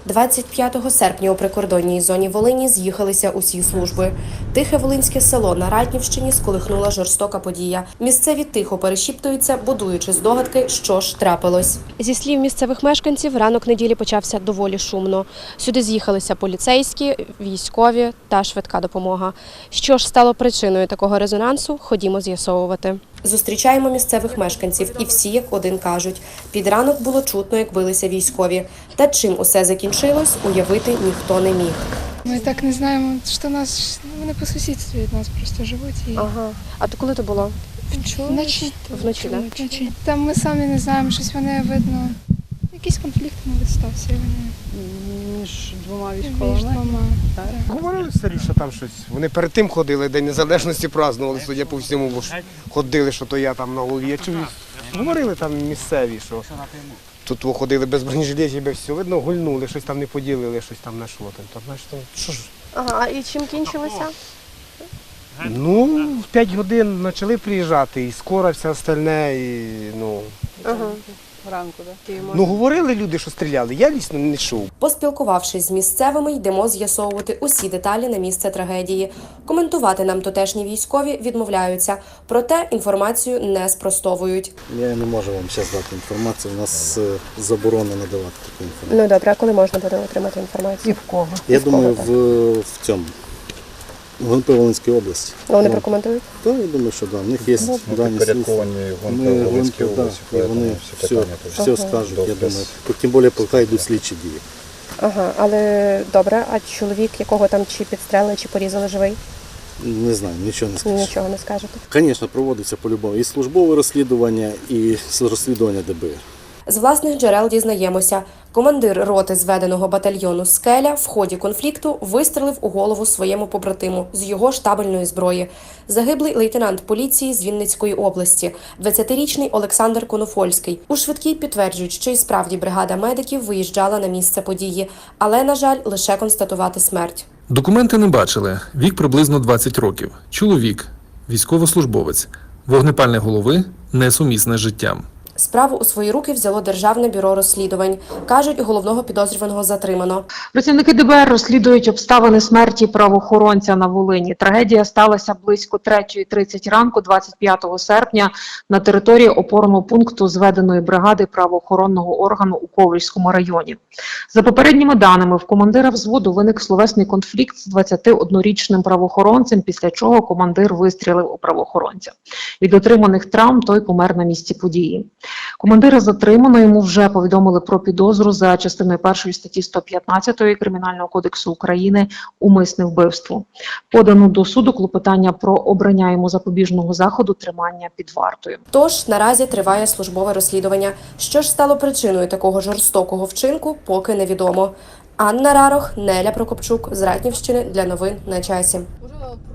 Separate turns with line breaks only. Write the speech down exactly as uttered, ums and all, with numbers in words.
двадцять п'ятого серпня у прикордонній зоні Волині з'їхалися усі служби. Тихе волинське село на Ратнівщині сколихнула жорстока подія. Місцеві тихо перешіптуються, будуючи здогадки, що ж трапилось. Зі слів місцевих мешканців, ранок неділі почався доволі шумно. Сюди з'їхалися поліцейські, військові та швидка допомога. Що ж стало причиною такого резонансу, ходімо з'ясовувати. Зустрічаємо місцевих мешканців і всі як один кажуть. Під ранок було чутно, як билися військові. Та чим усе закінчилось, уявити ніхто не міг.
Ми так не знаємо, що нас, вони по сусідстві від нас просто живуть. І...
Ага. А то коли то було?
Вночі.
Вночі, так?
Вночі. Там ми самі не знаємо, щось вони, видно, якийсь конфлікт, мабуть, стався. Вони...
Між двома військовими?
Між двома, так.
Говорили старі, що там щось. Вони перед тим ходили, День Незалежності празднували, судя по всьому, бо ж ходили, що то я там на голові. Я чув, говорили там місцеві, що тут ходили без бронежилетів, без всього. Видно, гульнули, щось там не поділили, щось там на що там. Там, знаєш, там, що ж?
Ага, і чим кінчилося?
Ну, в п'ять годин почали приїжджати, і скоро все остальне, і, ну...
Ага.
Ранку, так?
Ну, говорили люди, що стріляли, я лісно не чув.
Поспілкувавшись з місцевими, йдемо з'ясовувати усі деталі на місце трагедії. Коментувати нам тутешні військові відмовляються, проте інформацію не спростовують.
Я не можу вам зараз дати інформацію, у нас е, заборонено надавати таку інформацію.
Ну добре, а коли можна буде отримати інформацію?
І в кого?
Я
з кого
думаю,
так?
в, в цьому, в ГНП Волинській області.
Ну, вони
Ну,
прокоментують?
То я думаю, що да, в них є дані слідства. Ми ГНП, да, і вони все, все скажуть, я думаю. Тим більше, поки йдуть слідчі дії.
Ага, але добре, а чоловік, якого там чи підстрелили, чи порізали, живий?
Не знаю, нічого не скажу.
Нічого не скажете.
Звісно, проводиться по-любому і службове розслідування, і розслідування Д Б Р.
З власних джерел дізнаємося, командир роти зведеного батальйону «Скеля» в ході конфлікту вистрелив у голову своєму побратиму з його штабельної зброї. Загиблий лейтенант поліції з Вінницької області, двадцятирічний Олександр Конофольський. У швидкій підтверджують, що і справді бригада медиків виїжджала на місце події, але, на жаль, лише констатувати смерть.
Документи не бачили. Вік приблизно двадцять років. Чоловік, військовослужбовець. Вогнепальне голови несумісне з життям.
Справу у свої руки взяло Державне бюро розслідувань. Кажуть, головного підозрюваного затримано.
Працівники Д Б Р розслідують обставини смерті правоохоронця на Волині. Трагедія сталася близько третьої тридцять ранку двадцять п'ятого серпня на території опорного пункту зведеної бригади правоохоронного органу у Ковельському районі. За попередніми даними, в командира взводу виник словесний конфлікт з двадцятиоднорічним правоохоронцем, після чого командир вистрілив у правоохоронця. Від отриманих травм той помер на місці події. Командира затримано, йому вже повідомили про підозру за частиною першої статті сто п'ятнадцять Кримінального кодексу України «Умисне вбивство». Подано до суду клопотання про обрання йому запобіжного заходу тримання під вартою.
Тож, наразі триває службове розслідування. Що ж стало причиною такого жорстокого вчинку, поки невідомо. Анна Рарох, Неля Прокопчук з Ратнівщини для новин на часі.